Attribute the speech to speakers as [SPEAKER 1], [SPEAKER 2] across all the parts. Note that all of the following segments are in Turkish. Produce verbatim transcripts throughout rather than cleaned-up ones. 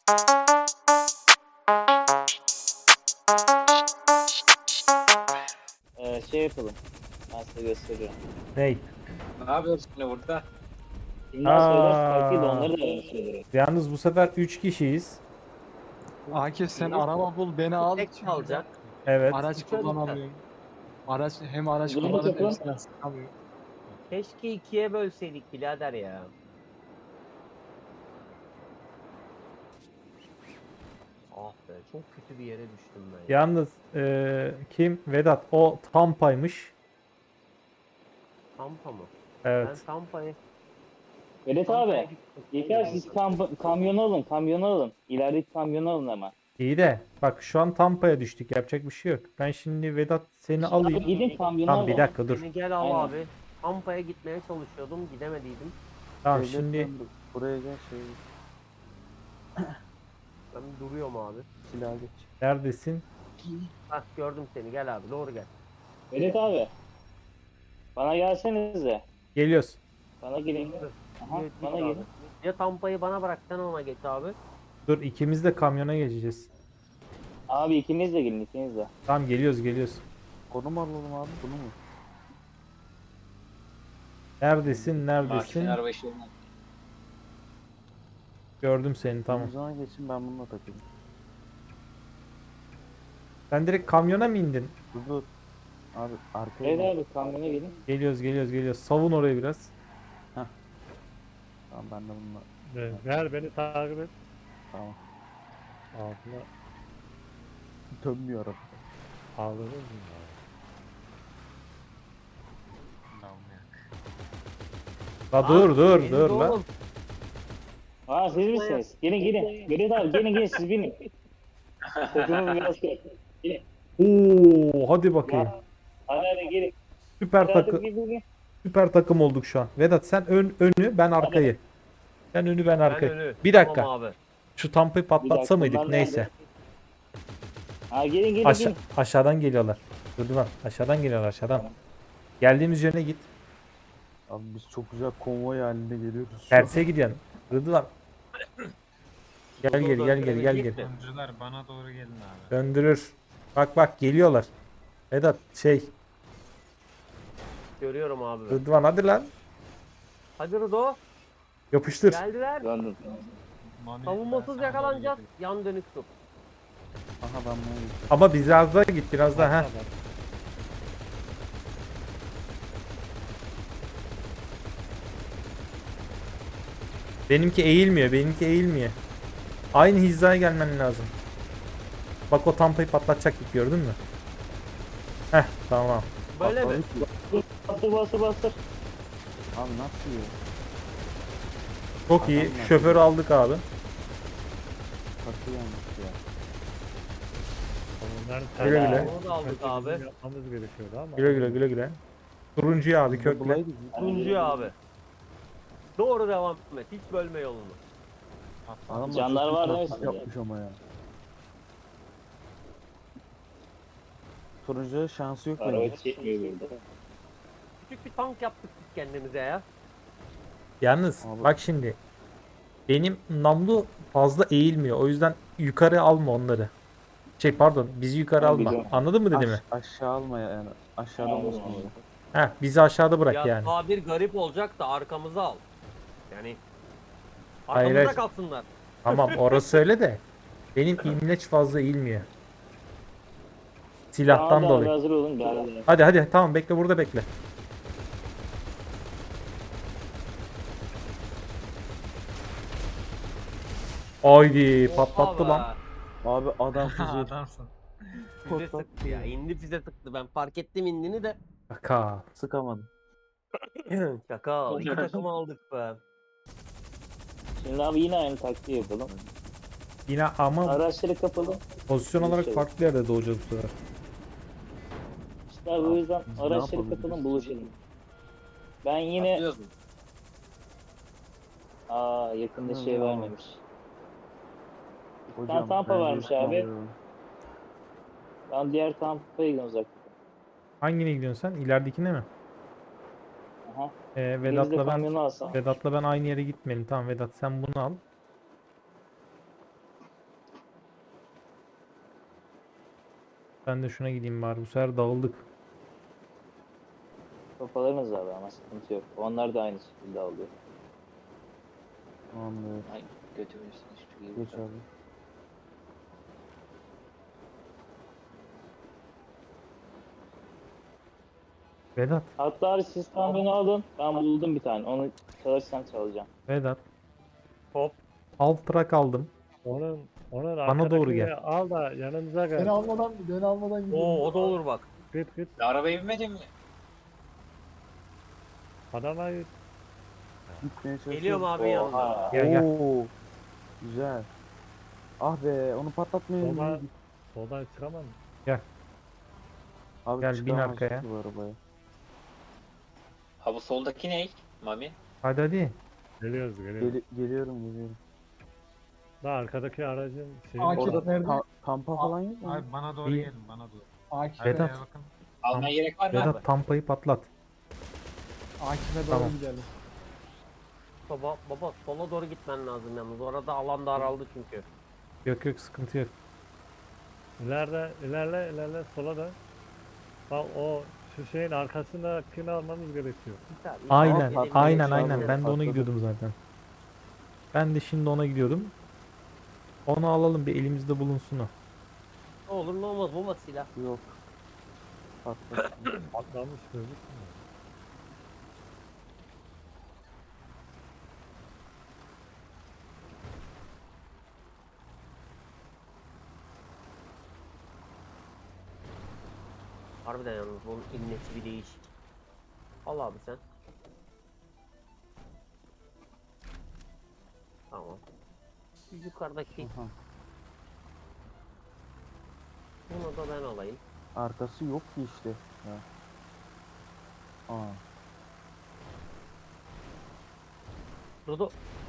[SPEAKER 1] Ee, şey yapalım. Ben size gösteriyorum.
[SPEAKER 2] Ney?
[SPEAKER 3] Ne yapıyorsun şimdi burada?
[SPEAKER 1] Kimden söylerse
[SPEAKER 2] Aa.
[SPEAKER 1] farkıyla onları da ben söylerim.
[SPEAKER 2] Yalnız bu sefer üç kişiyiz.
[SPEAKER 4] Akif sen araba bul beni al.
[SPEAKER 5] Tek kalacak.
[SPEAKER 2] Evet.
[SPEAKER 4] Araç
[SPEAKER 5] Üçe lütfen.
[SPEAKER 4] kullanamıyorum. Araç hem araç
[SPEAKER 1] Bunu
[SPEAKER 4] kullanıp hem
[SPEAKER 1] yapın.
[SPEAKER 4] silah sıkamıyorum.
[SPEAKER 5] Keşke ikiye bölseydik birader ya. Ah be, çok kötü bir yere düştüm ben. Ya.
[SPEAKER 2] Yalnız eee, kim? Vedat. O Tampa'ymış.
[SPEAKER 5] Tampa mı?
[SPEAKER 2] Evet.
[SPEAKER 5] Ben Tampa'yı...
[SPEAKER 1] Vedat
[SPEAKER 5] Tampa'ya
[SPEAKER 1] abi.
[SPEAKER 5] gittim.
[SPEAKER 1] Yeter siz kam kamyonu alın. Kamyonu alın. İlerideki kamyonu alın hemen.
[SPEAKER 2] İyi de bak şu an Tampa'ya düştük. Yapacak bir şey yok. Ben şimdi Vedat seni
[SPEAKER 1] Abi
[SPEAKER 2] alayım.
[SPEAKER 1] gidin kamyonu
[SPEAKER 2] Tamam
[SPEAKER 1] alın.
[SPEAKER 2] bir dakika dur.
[SPEAKER 5] Beni gel al
[SPEAKER 1] Aynen.
[SPEAKER 5] abi. Tampa'ya gitmeye çalışıyordum, gidemediydim.
[SPEAKER 2] Tamam şimdi
[SPEAKER 6] Buraya gel şey
[SPEAKER 5] Ben duruyorum abi.
[SPEAKER 6] silah geç.
[SPEAKER 2] neredesin?
[SPEAKER 5] Hah gördüm seni, gel abi, doğru gel.
[SPEAKER 1] Vedat abi. Bana gelsenize.
[SPEAKER 2] Geliyoruz.
[SPEAKER 1] Bana gelin. Aha,
[SPEAKER 5] Git
[SPEAKER 1] bana
[SPEAKER 5] abi.
[SPEAKER 1] gelin.
[SPEAKER 5] Ya Tampa'yı bana bırak, sen ona geç abi.
[SPEAKER 2] Dur ikimiz de kamyona geçeceğiz.
[SPEAKER 1] Abi ikiniz de gelin ikiniz de.
[SPEAKER 2] Tamam geliyoruz geliyoruz.
[SPEAKER 6] Onu mu alalım abi bunu mu?
[SPEAKER 2] Neredesin? Neredesin?
[SPEAKER 3] Makineler başına.
[SPEAKER 2] Gördüm seni tamam.
[SPEAKER 6] O zaman geçin ben bununla takayım.
[SPEAKER 2] Sen direkt kamyona mı indin?
[SPEAKER 6] Dur dur. Abi arkaya
[SPEAKER 1] Vedat
[SPEAKER 6] gel.
[SPEAKER 1] abi kamyona gelin.
[SPEAKER 2] Geliyoruz geliyoruz geliyoruz. Savun orayı biraz.
[SPEAKER 6] Tamam ben de bununla.
[SPEAKER 7] Ver, ver beni takip et.
[SPEAKER 6] Tamam.
[SPEAKER 7] Altına
[SPEAKER 6] Dönmüyor araba.
[SPEAKER 7] ağlarız mı? ya?
[SPEAKER 2] La dur dur
[SPEAKER 5] Beni
[SPEAKER 2] dur
[SPEAKER 5] de
[SPEAKER 2] la.
[SPEAKER 5] oğlum.
[SPEAKER 1] Aa siz misiniz? Gelin gelin. Vedat abi gelin gelin siz binin. Kokumu biraz kırın.
[SPEAKER 2] Oo hadi bakayım.
[SPEAKER 1] Hadi hadi gelin.
[SPEAKER 2] Süper
[SPEAKER 1] Vedat
[SPEAKER 2] takım
[SPEAKER 1] abi gelin, gelin.
[SPEAKER 2] süper takım olduk şu an. Vedat sen ön önü ben arkayı. Sen önü ben
[SPEAKER 5] Ben
[SPEAKER 2] arkayı.
[SPEAKER 5] önü.
[SPEAKER 2] Bir dakika.
[SPEAKER 5] Tamam abi.
[SPEAKER 2] Şu tampayı
[SPEAKER 1] Bir
[SPEAKER 2] patlatsa
[SPEAKER 1] dakika,
[SPEAKER 2] mıydık
[SPEAKER 1] bunlar
[SPEAKER 2] neyse.
[SPEAKER 1] nerede? Ha gelin gelin
[SPEAKER 2] Aşa
[SPEAKER 1] gelin.
[SPEAKER 2] aşağıdan geliyorlar. Dur lan aşağıdan geliyorlar aşağıdan. Geldiğimiz yöne git.
[SPEAKER 6] Abi biz çok güzel konvoy halinde geliyoruz. şu an.
[SPEAKER 2] Terse gidiyorsun. Rıdvan. Gel
[SPEAKER 5] Dur,
[SPEAKER 2] gel
[SPEAKER 5] dur,
[SPEAKER 2] gel gel gel
[SPEAKER 5] döndürecek
[SPEAKER 2] gel.
[SPEAKER 5] mi?
[SPEAKER 8] Oyuncular bana doğru gelin abi.
[SPEAKER 2] Döndürür. Bak bak geliyorlar. Vedat şey
[SPEAKER 5] Görüyorum abi. ben.
[SPEAKER 2] Rıdvan hadi lan.
[SPEAKER 5] Hadi Rıdo.
[SPEAKER 2] Yapıştır.
[SPEAKER 5] Geldiler.
[SPEAKER 1] Döndüm.
[SPEAKER 8] Mami,
[SPEAKER 5] Savunmasız
[SPEAKER 8] ben sana
[SPEAKER 5] yakalanacağız.
[SPEAKER 8] doğru
[SPEAKER 5] Yan dönük tut.
[SPEAKER 6] Aha ben bunu gideceğim.
[SPEAKER 2] Ama biraz daha git biraz daha ha. Benimki eğilmiyor, benimki eğilmiyor. Aynı hizaya gelmen lazım. Bak o tampayı patlatacaktık gördün mü? Heh tamam.
[SPEAKER 5] Böyle mi?
[SPEAKER 1] Bastır bastır bastır.
[SPEAKER 6] Abi nasıl ya?
[SPEAKER 2] Çok iyi.
[SPEAKER 6] Adamlar.
[SPEAKER 2] Şoförü aldık abi.
[SPEAKER 6] Takı yanlış ya.
[SPEAKER 7] Onların
[SPEAKER 2] Güle
[SPEAKER 7] tercih-
[SPEAKER 2] güle.
[SPEAKER 5] Onu da aldık
[SPEAKER 7] tercih
[SPEAKER 5] abi.
[SPEAKER 7] bizim Yapmamız gerekiyordu ama.
[SPEAKER 2] Güle güle güle güle. Turuncuyu abi
[SPEAKER 6] Biz de
[SPEAKER 2] kökle.
[SPEAKER 6] bulaydık.
[SPEAKER 5] Turuncu abi. Doğru devam et. Hiç bölme yolunu.
[SPEAKER 6] Adamlar
[SPEAKER 1] Canlar
[SPEAKER 6] çok
[SPEAKER 1] var
[SPEAKER 6] güzel
[SPEAKER 1] değil mi
[SPEAKER 6] tak
[SPEAKER 1] sizde?
[SPEAKER 6] yapmış ama ya. Turuncuya şansı yok
[SPEAKER 1] Araba
[SPEAKER 6] bence.
[SPEAKER 1] çekmiyor burada.
[SPEAKER 5] Küçük bir tank yaptık biz kendimize ya.
[SPEAKER 2] Yalnız
[SPEAKER 6] Abi.
[SPEAKER 2] bak şimdi. Benim namlu fazla eğilmiyor. O yüzden yukarı alma onları. Şey pardon bizi yukarı
[SPEAKER 1] Ben
[SPEAKER 2] alma.
[SPEAKER 1] biliyorum.
[SPEAKER 2] Anladın mı dediğimi?
[SPEAKER 6] Aş- aşağı alma yani. Aşağıda
[SPEAKER 1] Anladım,
[SPEAKER 6] olmasın.
[SPEAKER 1] anladım.
[SPEAKER 2] Heh bizi aşağıda bırak
[SPEAKER 5] ya
[SPEAKER 2] yani.
[SPEAKER 5] tabir garip olacak da arkamıza al. Yani
[SPEAKER 2] Hayır,
[SPEAKER 5] arkamıza
[SPEAKER 2] hayır.
[SPEAKER 5] kalsınlar.
[SPEAKER 2] Tamam orası öyle de. Benim imleç fazla eğilmiyor. Silahtan
[SPEAKER 1] Tamam,
[SPEAKER 2] dolayı.
[SPEAKER 1] Hazır olun galiba.
[SPEAKER 2] Hadi hadi tamam bekle burada bekle. Haydi patlattı
[SPEAKER 5] Oha
[SPEAKER 2] lan.
[SPEAKER 5] be.
[SPEAKER 6] Abi adam
[SPEAKER 8] gelin.
[SPEAKER 6] füze.
[SPEAKER 8] Adamsın.
[SPEAKER 5] Füze sıktı ya. İndi füze sıktı. Ben fark ettim indiğini de.
[SPEAKER 2] Kaka.
[SPEAKER 6] Sıkamadım.
[SPEAKER 5] Şaka. İki takımı aldık be.
[SPEAKER 1] Şimdi abi yine aynı taktiği yapalım.
[SPEAKER 2] Yine ama
[SPEAKER 1] Araçları kapalı.
[SPEAKER 2] pozisyon olarak
[SPEAKER 1] Şey.
[SPEAKER 2] farklı yerde doğacağız bu sefer.
[SPEAKER 1] İşte abi o yüzden
[SPEAKER 6] Biz ne
[SPEAKER 1] araçları
[SPEAKER 6] yapabiliriz?
[SPEAKER 1] kapalım buluşalım. Ben yine...
[SPEAKER 3] Atlıyoruz mu?
[SPEAKER 1] Aa yakında şey
[SPEAKER 6] Hı,
[SPEAKER 1] vermemiş.
[SPEAKER 6] Hocam,
[SPEAKER 1] tampa
[SPEAKER 6] bence
[SPEAKER 1] varmış abi.
[SPEAKER 6] ısmarlıyorum.
[SPEAKER 1] Ben diğer kampaya gidiyorum uzak.
[SPEAKER 2] Hangine gidiyorsun sen? İleridekine mi?
[SPEAKER 1] Aha.
[SPEAKER 2] Ee,
[SPEAKER 1] Biz de
[SPEAKER 2] Vedat'la ben
[SPEAKER 1] kamyonu alsam.
[SPEAKER 2] Vedat'la ben aynı yere gitmeyelim. Tamam Vedat sen bunu al. Ben de şuna gideyim bari. Bu sefer dağıldık.
[SPEAKER 1] Kafalarınız abi ama sıkıntı yok. Onlar da aynı şekilde alıyor.
[SPEAKER 6] Tamamdır.
[SPEAKER 3] Ay götürürsün hiçbir şey.
[SPEAKER 6] Geç abi.
[SPEAKER 2] Vedat.
[SPEAKER 1] Hatta abi siz tam beni alın. Ben buldum bir tane. Onu çalırsan çalacağım.
[SPEAKER 2] Vedat.
[SPEAKER 5] Hop.
[SPEAKER 2] Alt trak aldım.
[SPEAKER 7] Onun onun
[SPEAKER 2] Bana doğru
[SPEAKER 7] arkadakini
[SPEAKER 2] gel.
[SPEAKER 7] Al da yanımıza gel.
[SPEAKER 4] Beni almadan beni almadan gidiyorum.
[SPEAKER 5] Oo o da olur bak.
[SPEAKER 7] Git git.
[SPEAKER 3] Arabaya binmedin mi?
[SPEAKER 7] Adama git.
[SPEAKER 6] Gitmeye çalışıyorum.
[SPEAKER 5] Geliyorum abi yanına.
[SPEAKER 1] Oha.
[SPEAKER 2] Gel gel.
[SPEAKER 6] Oo. Güzel. Ah be onu patlatmayın.
[SPEAKER 7] Soldan, soldan çıkamam.
[SPEAKER 6] Abi
[SPEAKER 2] Gel, bin
[SPEAKER 6] çıkamaz
[SPEAKER 2] arkaya.
[SPEAKER 6] ki bu arabaya.
[SPEAKER 3] Ha bu soldaki ne? Mami.
[SPEAKER 2] Hadi hadi.
[SPEAKER 7] Geliyoruz geliyoruz.
[SPEAKER 6] Geli- geliyorum geliyorum.
[SPEAKER 7] Da arkadaki aracın şeyi
[SPEAKER 4] Akif
[SPEAKER 6] Orada
[SPEAKER 4] nerede?
[SPEAKER 6] ta- kampa falan yok mu?
[SPEAKER 8] Abi bana doğru
[SPEAKER 2] İyi.
[SPEAKER 8] gelin bana doğru.
[SPEAKER 4] Akif'e,
[SPEAKER 2] Vedat.
[SPEAKER 8] Arkaya bakın.
[SPEAKER 3] Almaya gerek var mı abi?
[SPEAKER 2] Vedat tampayı patlat.
[SPEAKER 4] Akif'e doğru
[SPEAKER 2] Tamam.
[SPEAKER 4] gidelim.
[SPEAKER 5] Baba baba sola doğru gitmen lazım yalnız. Orada alan daraldı çünkü.
[SPEAKER 2] Yok yok sıkıntı yok.
[SPEAKER 7] İleride ilerle ilerle sola da. Bak o şu şeyin arkasındakini almamız gerekiyor.
[SPEAKER 2] Aynen
[SPEAKER 5] Gidelim,
[SPEAKER 2] aynen
[SPEAKER 5] gidelim.
[SPEAKER 2] aynen. Ben de ona
[SPEAKER 6] Patladı.
[SPEAKER 2] gidiyordum zaten. Ben de şimdi ona gidiyordum. Onu alalım bir elimizde bulunsun o.
[SPEAKER 5] Ne olur ne olmaz baba silah.
[SPEAKER 6] Yok. Patlat.
[SPEAKER 7] Patlamış gözükmüyor.
[SPEAKER 5] Harbiden yalnız bunun innesi bir değişik. Al abi sen. Tamam. Yukarıdaki
[SPEAKER 6] Aha.
[SPEAKER 5] bunu da ben alayım.
[SPEAKER 6] Arkası yok ki işte. Ya. Aa.
[SPEAKER 5] Rudo.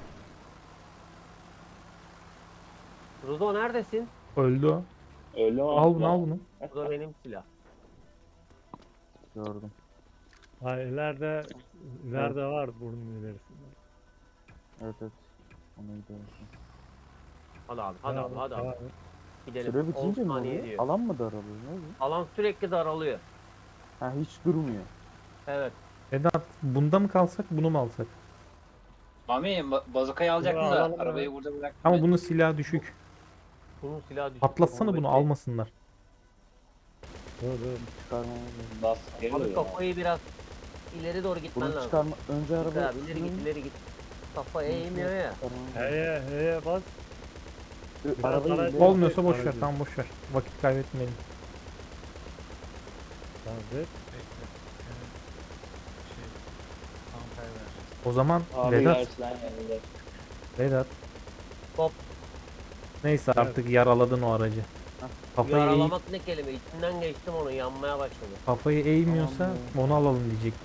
[SPEAKER 5] Rudo neredesin?
[SPEAKER 2] Öldü o.
[SPEAKER 1] Öyle mi?
[SPEAKER 2] Al bunu al bunu.
[SPEAKER 5] Bu da benim silah.
[SPEAKER 6] Gördüm.
[SPEAKER 7] Ha ileride ileride var burnun ilerisinde.
[SPEAKER 6] Evet evet. Ona gidiyorum.
[SPEAKER 5] Hadi abi hadi abi hadi abi. Gidelim.
[SPEAKER 6] Süre bitince
[SPEAKER 5] on
[SPEAKER 6] mi
[SPEAKER 5] saniye
[SPEAKER 6] oluyor?
[SPEAKER 5] diyor.
[SPEAKER 6] Alan mı daralıyor? Ne oluyor?
[SPEAKER 5] Alan sürekli daralıyor.
[SPEAKER 6] Ha hiç durmuyor.
[SPEAKER 5] Evet.
[SPEAKER 2] Vedat bunda mı kalsak bunu mu alsak?
[SPEAKER 3] Mami ba- bazukayı alacaktın
[SPEAKER 7] Bunu
[SPEAKER 3] da
[SPEAKER 7] alalım
[SPEAKER 3] arabayı
[SPEAKER 7] ya.
[SPEAKER 3] burada bırak.
[SPEAKER 2] Ama bunun silahı düşük.
[SPEAKER 5] Bunun silahı düşük.
[SPEAKER 2] Patlatsana
[SPEAKER 5] Onu
[SPEAKER 2] bunu
[SPEAKER 5] bekle.
[SPEAKER 2] almasınlar.
[SPEAKER 7] Dur dur.
[SPEAKER 6] Çıkarmamız lazım.
[SPEAKER 1] Bas geliyor
[SPEAKER 5] Abi
[SPEAKER 1] ya.
[SPEAKER 5] kafayı biraz ileri doğru gitmen
[SPEAKER 6] Bunu
[SPEAKER 5] lazım.
[SPEAKER 6] çıkarma. Önce
[SPEAKER 5] Git
[SPEAKER 6] araba.
[SPEAKER 5] abi ileri git ileri git. Kafa eğmiyor ya.
[SPEAKER 7] Heye heye bas.
[SPEAKER 6] Ö-
[SPEAKER 7] Biraz
[SPEAKER 6] Arabayı
[SPEAKER 7] ara-
[SPEAKER 6] ileri-
[SPEAKER 2] Olmuyorsa boş ver
[SPEAKER 7] Aracı.
[SPEAKER 2] tamam boş ver. Vakit kaybetmeyelim.
[SPEAKER 7] Tamam dur.
[SPEAKER 8] Bekle. Senin şey tampaya vereceğiz.
[SPEAKER 2] O zaman
[SPEAKER 1] Abi
[SPEAKER 2] Vedat,
[SPEAKER 1] gerçekten yanında.
[SPEAKER 2] Vedat.
[SPEAKER 5] Hop.
[SPEAKER 2] Neyse artık yaraladın o aracı. Kafayı, eğ,
[SPEAKER 5] Yaralamak ne kelime? İçinden geçtim onu yanmaya başladı.
[SPEAKER 2] kafayı eğmiyorsa
[SPEAKER 6] Tamam,
[SPEAKER 2] onu alalım diyecektim.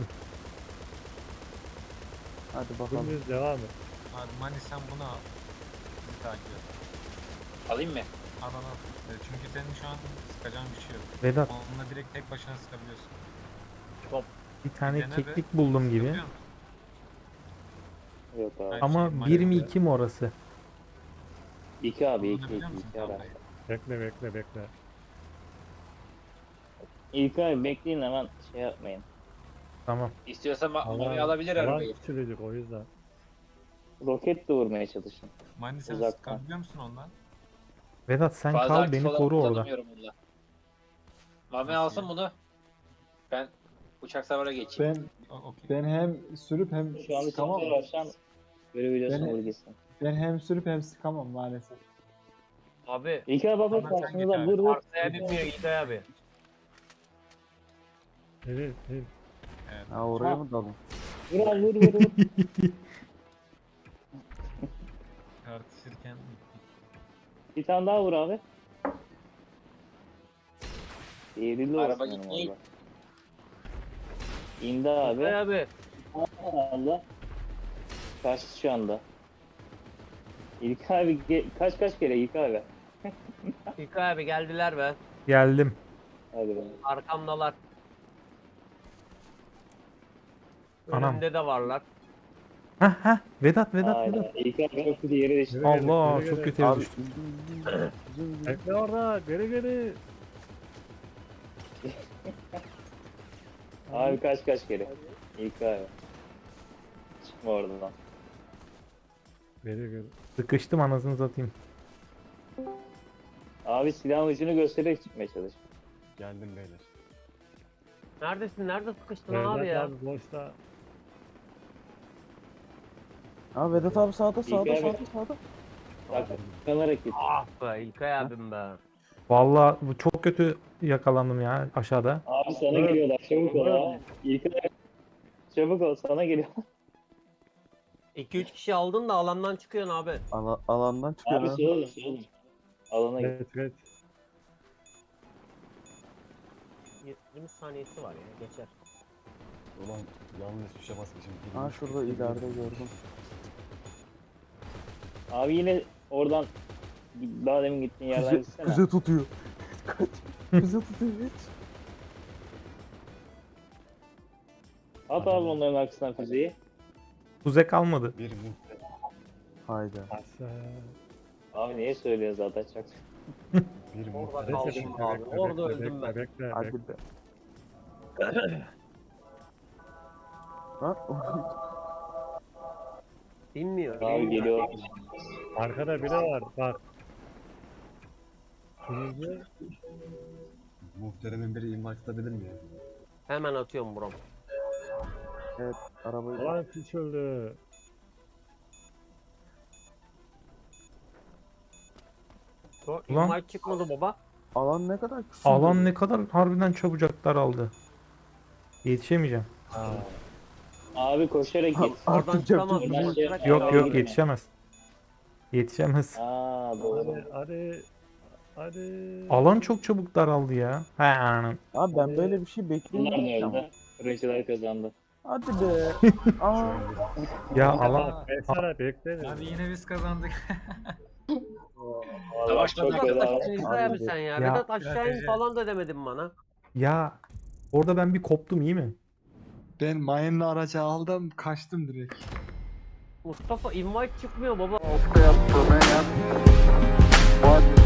[SPEAKER 6] Hadi bakalım.
[SPEAKER 7] Dümdüz devam et.
[SPEAKER 8] Abi Mani sen bunu al. Bizi takip et.
[SPEAKER 3] Alayım mı?
[SPEAKER 8] Al al al. E, Çünkü senin şu an sıkacağın bir şey yok.
[SPEAKER 2] Vedat
[SPEAKER 8] Onunla direkt tek başına sıkabiliyorsun.
[SPEAKER 2] bir tane
[SPEAKER 8] Dene be.
[SPEAKER 2] keklik buldum gibi.
[SPEAKER 8] Sıkabiliyor musun?
[SPEAKER 1] Yok abi.
[SPEAKER 8] Hayır.
[SPEAKER 2] Ama
[SPEAKER 8] şey,
[SPEAKER 2] bir mi
[SPEAKER 8] maalesef.
[SPEAKER 2] iki mi orası?
[SPEAKER 1] İki abi iki
[SPEAKER 8] Kullanabiliyor
[SPEAKER 1] iki
[SPEAKER 8] musun
[SPEAKER 1] iki abi.
[SPEAKER 8] tampayı?
[SPEAKER 7] Bekle bekle bekle.
[SPEAKER 1] İlk abi bekleyin hemen şey yapmayın.
[SPEAKER 2] Tamam.
[SPEAKER 3] İstiyorsa ma- Mami
[SPEAKER 7] Alan,
[SPEAKER 3] alabilir
[SPEAKER 7] alan
[SPEAKER 3] arabayı.
[SPEAKER 7] küçülecek o yüzden.
[SPEAKER 1] Roket de vurmaya çalışın.
[SPEAKER 8] Mani sen
[SPEAKER 1] Uzaktan.
[SPEAKER 8] sıkabiliyor musun ondan?
[SPEAKER 2] Vedat sen
[SPEAKER 3] Fazla
[SPEAKER 2] kal
[SPEAKER 3] aktif
[SPEAKER 2] beni
[SPEAKER 3] olan
[SPEAKER 2] koru orada.
[SPEAKER 3] kullanamıyorum bunda. Mami
[SPEAKER 8] Nasıl
[SPEAKER 3] alsın
[SPEAKER 8] ya?
[SPEAKER 3] bunu. Ben uçak savara geçeyim.
[SPEAKER 4] Ben
[SPEAKER 8] O, okey.
[SPEAKER 4] ben hem sürüp hem
[SPEAKER 1] Şu an bir
[SPEAKER 4] sıkamam.
[SPEAKER 1] sıkıntı var. Şu an görebiliyorsun
[SPEAKER 4] Beni-
[SPEAKER 1] vurgisini.
[SPEAKER 4] Ben hem sürüp hem sıkamam maalesef.
[SPEAKER 5] Abi
[SPEAKER 1] İlk abi bak
[SPEAKER 8] Tamam, sen
[SPEAKER 1] karşınıza
[SPEAKER 8] geç
[SPEAKER 1] vur
[SPEAKER 8] abi.
[SPEAKER 1] vur.
[SPEAKER 5] arsaya binmiyor İlkay abi.
[SPEAKER 7] Değil değil.
[SPEAKER 8] Evet.
[SPEAKER 6] Ha oraya
[SPEAKER 1] Ha.
[SPEAKER 6] mı dalın?
[SPEAKER 1] Vur abi vur vur vur.
[SPEAKER 8] Tartışırken gittik.
[SPEAKER 1] Bir tane daha vur abi. Eğrili
[SPEAKER 3] Araba
[SPEAKER 1] olsun
[SPEAKER 3] gitmeyi-
[SPEAKER 1] yani valla. İndi abi.
[SPEAKER 5] İlkay abi.
[SPEAKER 1] Allah. Kaçtı şu anda. İlk abi ge- kaç kaç kere İlk abi.
[SPEAKER 5] İlkay abi geldiler be.
[SPEAKER 2] Geldim.
[SPEAKER 1] Hadi be.
[SPEAKER 5] Arkamdalar.
[SPEAKER 2] Anam.
[SPEAKER 5] Önümde de varlar.
[SPEAKER 2] Hah hah Vedat Vedat
[SPEAKER 1] Aynen.
[SPEAKER 2] Vedat.
[SPEAKER 1] İlk abi çok kötü yere düştü.
[SPEAKER 7] Geri gelin,
[SPEAKER 2] Allah
[SPEAKER 7] geri
[SPEAKER 2] çok
[SPEAKER 7] gelin.
[SPEAKER 2] kötü yere
[SPEAKER 6] Abi
[SPEAKER 2] düştüm.
[SPEAKER 6] indim indim. Güzel, güzel.
[SPEAKER 7] Bekle orada geri geri.
[SPEAKER 1] Abi kaç kaç kere. İlk abi. Çıkma oradan.
[SPEAKER 7] Very good.
[SPEAKER 2] Sıkıştım anasını satayım.
[SPEAKER 1] Abi silahın ucunu göstererek çıkmaya çalış.
[SPEAKER 9] Geldim beyler.
[SPEAKER 5] Neredesin? Nerede sıkıştın
[SPEAKER 7] Vedat
[SPEAKER 5] abi ya?
[SPEAKER 7] abi boşta.
[SPEAKER 6] Aa Vedat abi sağda sağda
[SPEAKER 1] abi.
[SPEAKER 6] sağda sağda.
[SPEAKER 1] Bak kanarak git.
[SPEAKER 5] Ah be İlkay abim be.
[SPEAKER 2] Vallahi bu çok kötü yakalandım ya aşağıda.
[SPEAKER 1] Abi sana
[SPEAKER 7] Evet.
[SPEAKER 1] geliyorlar. Çabuk ol
[SPEAKER 7] Evet.
[SPEAKER 1] ha. İlk abi. Çabuk ol sana geliyor.
[SPEAKER 5] iki üç kişi aldın da alandan çıkıyorsun abi.
[SPEAKER 6] Ala- alandan çıkıyor
[SPEAKER 1] Abi
[SPEAKER 6] ha.
[SPEAKER 1] soğudum soğudum. Alana git.
[SPEAKER 7] Evet evet.
[SPEAKER 5] yirmi saniyesi var ya geçer.
[SPEAKER 9] Ulan yanlış tuşa basmışım.
[SPEAKER 6] Ha şurada ileride gördüm.
[SPEAKER 1] Abi yine oradan daha demin gittiğin yerden
[SPEAKER 6] Füze,
[SPEAKER 1] gitsene.
[SPEAKER 6] füze tutuyor. Kaç. Füze tutuyor hiç.
[SPEAKER 1] At abi onların arkasından füzeyi.
[SPEAKER 2] Tuzak kalmadı.
[SPEAKER 9] Bir muhte.
[SPEAKER 6] Hayda.
[SPEAKER 7] Aşağı.
[SPEAKER 1] Abi niye söylüyorsun zaten çok.
[SPEAKER 9] Bir
[SPEAKER 5] Orada
[SPEAKER 9] muhte.
[SPEAKER 5] kaldım
[SPEAKER 7] Bekle,
[SPEAKER 5] abi.
[SPEAKER 7] bekle,
[SPEAKER 5] Orada
[SPEAKER 7] bekle,
[SPEAKER 5] öldüm ben.
[SPEAKER 7] bekle, bekle, bekle.
[SPEAKER 6] Hadi be. Lan
[SPEAKER 5] Bilmiyor.
[SPEAKER 1] Abi geliyor.
[SPEAKER 7] Arkada biri var bak. Turuncu.
[SPEAKER 9] Muhteremin biri imha tutabilir mi ya?
[SPEAKER 5] Hemen atıyorum buram.
[SPEAKER 6] arabayı
[SPEAKER 7] Ulan piç öldü.
[SPEAKER 5] O
[SPEAKER 2] Ulan.
[SPEAKER 5] invite çıkmadı baba.
[SPEAKER 6] alan ne kadar küçük.
[SPEAKER 2] Alan ne kadar harbiden çabucak daraldı. Yetişemeyeceğim.
[SPEAKER 1] Abi koşarak git.
[SPEAKER 5] Oradan
[SPEAKER 6] Artık
[SPEAKER 5] çıkamaz.
[SPEAKER 6] yapacak bir şey yok.
[SPEAKER 5] Bırak
[SPEAKER 2] Yok
[SPEAKER 5] ya.
[SPEAKER 2] yok yetişemez. Yetişemez.
[SPEAKER 1] Aa doğru.
[SPEAKER 7] Hadi hadi. Hadi.
[SPEAKER 2] Alan çok çabuk daraldı ya. He anam.
[SPEAKER 6] Abi ben böyle bir şey
[SPEAKER 1] Bunlar
[SPEAKER 6] beklemiyorum
[SPEAKER 1] ne
[SPEAKER 6] ama.
[SPEAKER 1] öldü? Fırıncılar kazandı.
[SPEAKER 6] Hadi be. Aa.
[SPEAKER 2] Ya alan
[SPEAKER 7] Beksene bekle.
[SPEAKER 8] Hadi yine biz kazandık.
[SPEAKER 1] Vallahi çok
[SPEAKER 5] Vedat
[SPEAKER 1] fena.
[SPEAKER 5] aşağı İlkay abi sen ya.
[SPEAKER 2] Ya.
[SPEAKER 5] Vedat aşağı in falan da demedin bana.
[SPEAKER 2] ya orada ben bir koptum iyi mi?
[SPEAKER 4] Ben mayınlı aracı aldım kaçtım direkt.
[SPEAKER 5] Mustafa invite çıkmıyor baba.
[SPEAKER 6] Yaptı, ben yaptım.